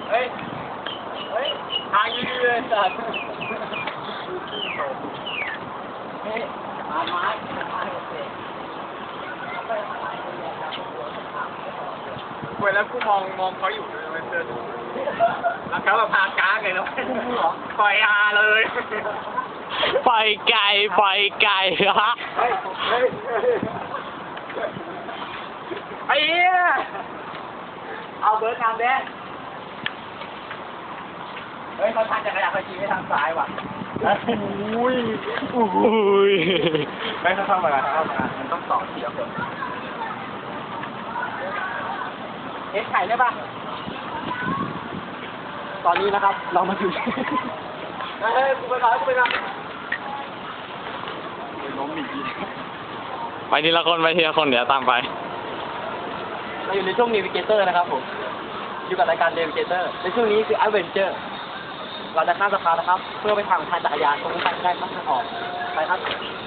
เฮ้ยทางยืดเลยสัตว์เฮ้ยมาไม้เว้ยแล้วกูมองเขาอยู่เลยมันเดินแล้วเขาแบบพาก้าเลยแล้วปล่อยอาเลยปล่อยไก่ฮะไอ้เหี้ยเอาเบิร์ดทำเด้เฮ้ยเขาทางจักรยานเขาชี้ไปทางซ้ายว่ะอุ้ยไม่เขาเข้ามาแล้วมันต้องต่อทีละคนเอ็กไข่ได้ปะตอนนี้นะครับเรามาถึงเฮ้ยกูไปก่อนล้มอีกไปทีละคนเดี๋ยวตามไปเราอยู่ในช่วง Navigator นะครับผมอยู่กับรายการ Navigator ในช่วงนี้คือ Adventure เราจะข้ามสะพานนะครับเพื่อไปทางจักรยานตรงนี้ได้ครับทางออกไปครับ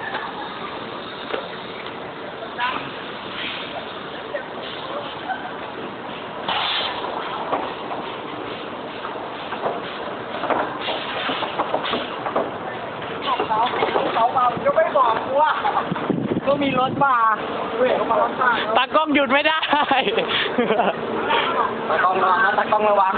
เขาเมาก็ไม่บอกกูว่าก็มีรถมาเว้ยเขามารถมาตากล้องหยุดไม่ได้ตากล้องระวังนะตากล้องระวัง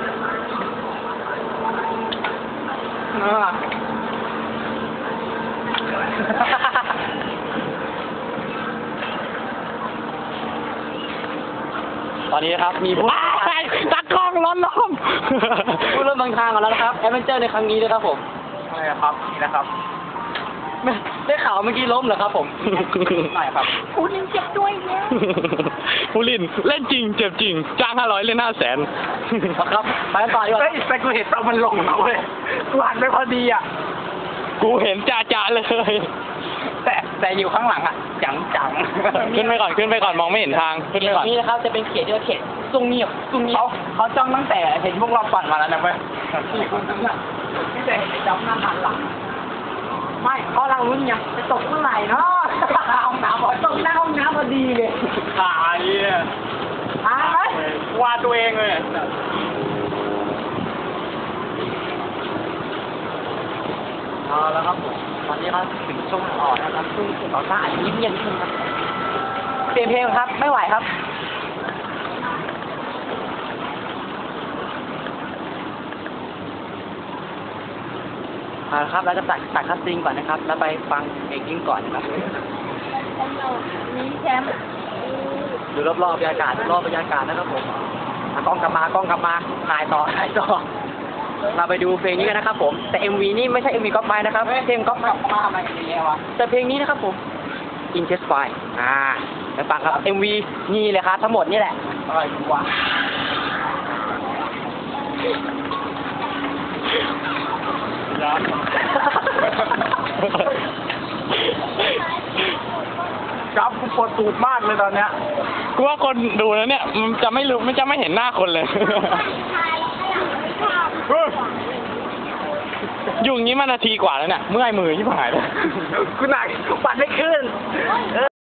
ตอนนี้นะครับมีผู้ตากล้องล้มผู้เริ่มบางทางกันแล้วนะครับแอดเวนเจอร์ในครั้งนี้นะครับผมอะไรครับนี่นะครับได้ข่าวเมื่อกี้ล้มเหรอครับผมไม่ครับผู้ลินเจ็บด้วยเนี่ยผู้ลินเล่นจริงเจ็บจริงจ้าง500เล่น500,000 ครับไปต่อดีกว่าแต่กูเห็นตอนมันลงแล้วเว้ยกูหันไปพอดีอ่ะกูเห็นจ่าเลยแต่อยู่ข้างหลังอ่ะจังขึ้นไปก่อนมองไม่เห็นทางขึ้นไปก่อนนี่นะครับจะเป็นเขตที่เขตซุ่งเงียบเขาจ้องตั้งแต่เห็นพวกเราปั่นมาแล้วนะเว้ยที่คนนั้นน่ะที่แต่เห็นจับหน้าหันหลังไม่เพราะเราลุ้นไงจะตกเมื่อไหร่เนาะห้องน้ำพอตกหน้าห้องน้ำพอดีเลยขายว่าตัวเองเลยเอาแล้วครับผมตอนนี้เราถึงช่วงต่อนะครับช่วงต่อหน้าอันนี้เงียบขึ้นครับเปลี่ยนเพลงครับไม่ไหวครับครับเราจะตัดคัสซิงก่อนนะครับแล้วไปฟังเพลงยิ่งก่อนนะครับนี่แชมป์ดูรอบๆบรรยากาศนะครับผมกล้องกลับมาถ่ายต่อเราไปดูเพลงนี้กันนะครับผมแต่ MV นี่ไม่ใช่ MV ก๊อปไม้นะครับเพลงก๊อปมาทำไมอย่างเงี้ยวะแต่เพลงนี้นะครับผม Intensify ไปฟังครับ MV นี่เลยครับทั้งหมดนี่แหละอะไรวะจับกูปวดตูดมากเลยตอนเนี้ยกูว่าคนดูแล้วเนี่ยมันจะไม่เห็นหน้าคนเลยอยู่อย่างนี้มานาทีกว่าแล้วเนี่ยเมื่อยมือที่หายเลยกูหนักกูปั่นไม่ขึ้น